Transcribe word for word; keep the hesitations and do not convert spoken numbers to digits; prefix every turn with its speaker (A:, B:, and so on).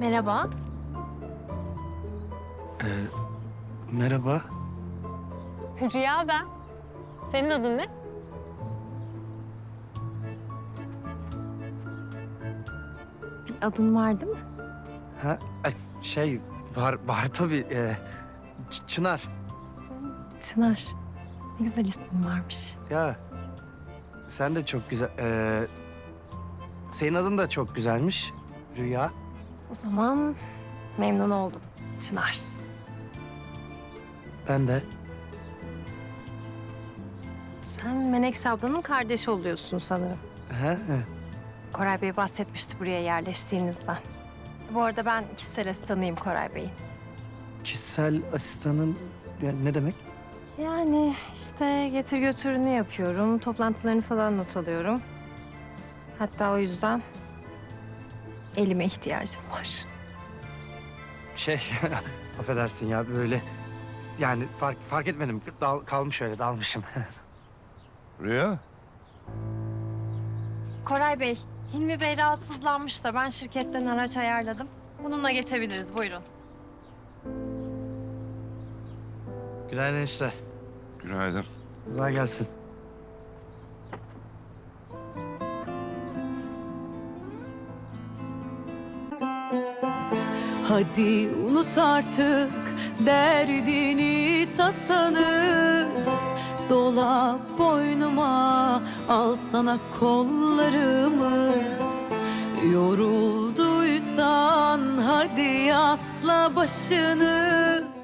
A: Merhaba.
B: Ee, merhaba.
A: Rüya ben. Senin adın ne? Bir adın var değil mi?
B: Ha, ay, şey var var tabii. Ee, Ç- Çınar.
A: Çınar. Ne güzel ismin varmış.
B: Ya sen de çok güzel. Ee, senin adın da çok güzelmiş. Rüya.
A: O zaman memnun oldum. Çınar.
B: Ben de.
A: Sen Menekşe ablanın kardeşi oluyorsun sanırım.
B: Ha, evet.
A: Koray Bey bahsetmişti buraya yerleştiğinizden. Bu arada ben kişisel asistanıyım Koray Bey'in.
B: Kişisel asistanın yani ne demek?
A: Yani işte getir götürünü yapıyorum. Toplantılarını falan not alıyorum. Hatta o yüzden elime ihtiyacım var.
B: Şey affedersin ya böyle yani fark fark etmedim. Dal, kalmış öyle dalmışım.
C: Rüya,
A: Koray Bey, Hilmi Bey rahatsızlanmış da ben şirketten araç ayarladım. Bununla geçebiliriz, buyurun.
B: Günaydın işte.
C: günaydın.
B: Kolay gelsin.
D: Hadi unut artık derdini tasanı. Dola boynuma, al sana kollarımı. Yorulduysan hadi asla başını.